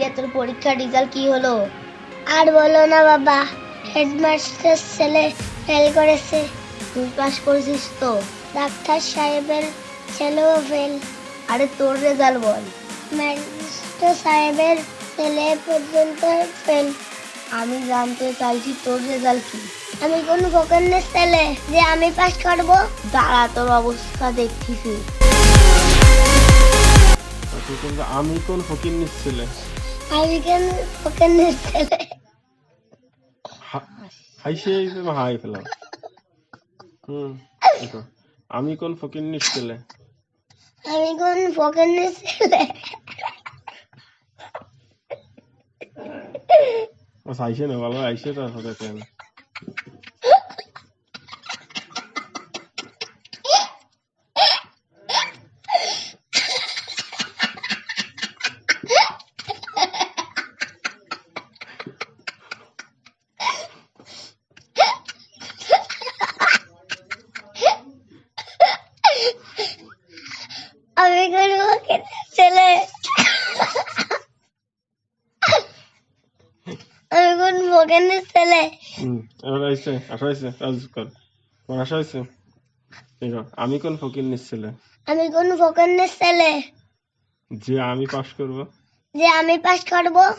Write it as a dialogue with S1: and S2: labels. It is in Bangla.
S1: কিরে তোর পরীক্ষার রেজাল্ট কি হলো?
S2: আর বলো না বাবা, হেডমাস্টার ছেলে ফেল করেছে।
S1: তুই পাস করেছিস তো?
S2: ডাক্তার সাহেবের ছেলেও ফেল।
S1: আরে তোর রেজাল্ট বল।
S2: ম্যাজিস্ট্রেট সাহেবের ছেলে পর্যন্ত ফেল।
S1: আমি জানতে চাইছি তোর রেজাল্ট কি?
S2: আমি কোন ফকনের ছেলে যে আমি পাস করব?
S1: দাঁড়া তোর অবস্থা দেখতেছি।
S3: কিন্তু আমি কোন ফকিন্নির ছেলে?
S2: আমি কেন ফকনের ছেলে?
S3: হাইসে হাই ফেলাম। দেখো, আমি কোন ফকিন্নির ছেলে?
S2: আমি কোন ফকনের ছেলে?
S3: আইসে না ভালো আইসে তারপরে কেন
S2: আমি কোন ফকনের ছেলে? আমি কোন ফকনের ছেলে?
S3: এবার আইসে আসা হয়েছে কাজ কর তোমার আসা হয়েছে। দেখো আমি কোন ফকিন্নির ছেলে?
S2: আমি কোন ফকনের ছেলে
S3: যে আমি পাস করবো?
S2: যে আমি পাস করব?